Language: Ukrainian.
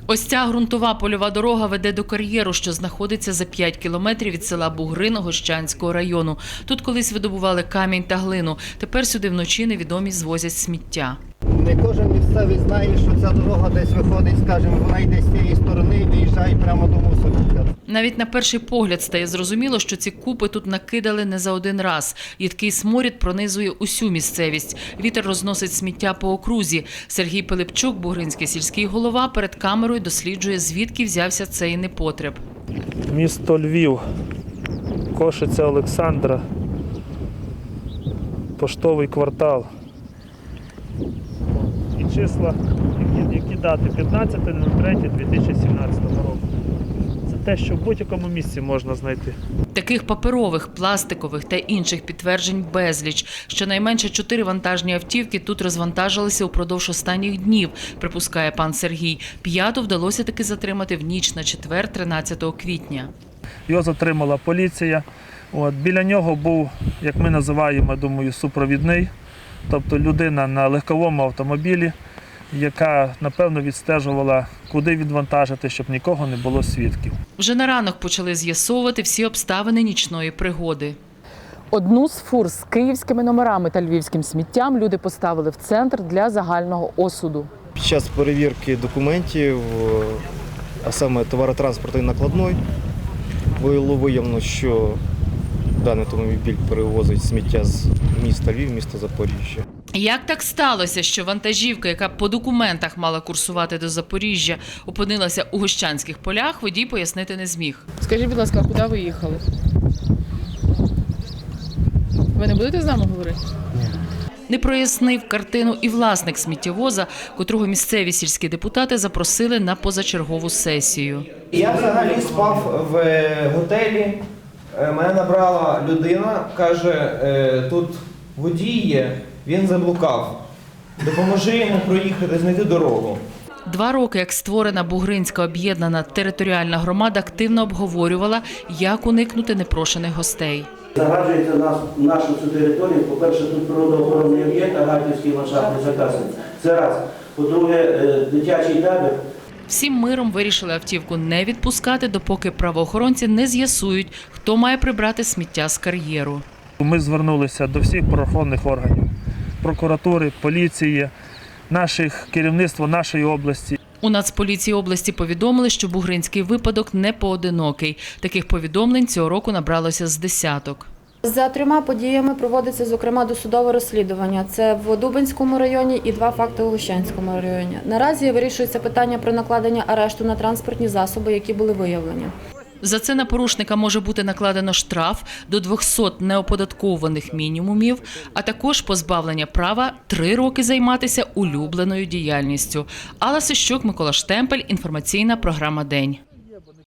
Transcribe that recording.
Ось ця ґрунтова польова дорога веде до кар'єру, що знаходиться за 5 кілометрів від села Бугрин Гощанського району. Тут колись видобували камінь та глину. Тепер сюди вночі невідомі звозять сміття. Не кожен місцевий знає, що ця дорога десь виходить, скажімо, вона йде з цієї сторони і виїжджає прямо до мусорника. Навіть на перший погляд стає зрозуміло, що ці купи тут накидали не за один раз. Їдкий сморід пронизує усю місцевість. Вітер розносить сміття по окрузі. Сергій Пилипчук, бугринський сільський голова, перед камерою досліджує, звідки взявся цей непотреб. Місто Львів, Кошиця Олександра, Поштовий квартал. І числа, які дати 15.03.2017 року. Це те, що в будь-якому місці можна знайти. Таких паперових, пластикових та інших підтверджень безліч. Щонайменше 4 вантажні автівки тут розвантажилися упродовж останніх днів, припускає пан Сергій. 5-ту вдалося таки затримати в ніч на четвер, 13 квітня. Його затримала поліція. Біля нього був, як ми називаємо, думаю, супровідний. Тобто людина на легковому автомобілі, яка, напевно, відстежувала, куди відвантажити, щоб нікого не було свідків. Вже на ранок почали з'ясовувати всі обставини нічної пригоди. Одну з фур з київськими номерами та львівським сміттям люди поставили в центр для загального осуду. Під час перевірки документів, а саме товаротранспортної накладної, було виявлено, що даний автомобіль перевозить сміття з міста Львів, міста Запоріжжя. Як так сталося, що вантажівка, яка по документах мала курсувати до Запоріжжя, опинилася у Гощанських полях, водій пояснити не зміг. Скажіть, будь ласка, куди ви їхали? Ви не будете з нами говорити? Не прояснив картину і власник сміттєвоза, котрого місцеві сільські депутати запросили на позачергову сесію. Я взагалі спав в готелі, мене набрала людина, каже, тут водій є, він заблукав, допоможи йому проїхати, знайти дорогу. 2 роки, як створена Бугринська об'єднана територіальна громада, активно обговорювала, як уникнути непрошених гостей. Загаджується нашу цю територію. По-перше, тут природоохоронний об'єкт, Агатівський ландшафтний заказник. Це раз. По-друге, дитячий табір. Всім миром вирішили автівку не відпускати, допоки правоохоронці не з'ясують, хто має прибрати сміття з кар'єру. Ми звернулися до всіх правоохоронних органів, прокуратури, поліції, керівництва нашої області. У Нацполіції області повідомили, що бугринський випадок не поодинокий. Таких повідомлень цього року набралося з десяток. За 3 подіями проводиться, зокрема, досудове розслідування. Це в Дубенському районі і 2 факти у Гощанському районі. Наразі вирішується питання про накладення арешту на транспортні засоби, які були виявлені. За це на порушника може бути накладено штраф до 200 неоподаткованих мінімумів, а також позбавлення права 3 роки займатися улюбленою діяльністю. Алла Сищук, Микола Штемпель, інформаційна програма «День».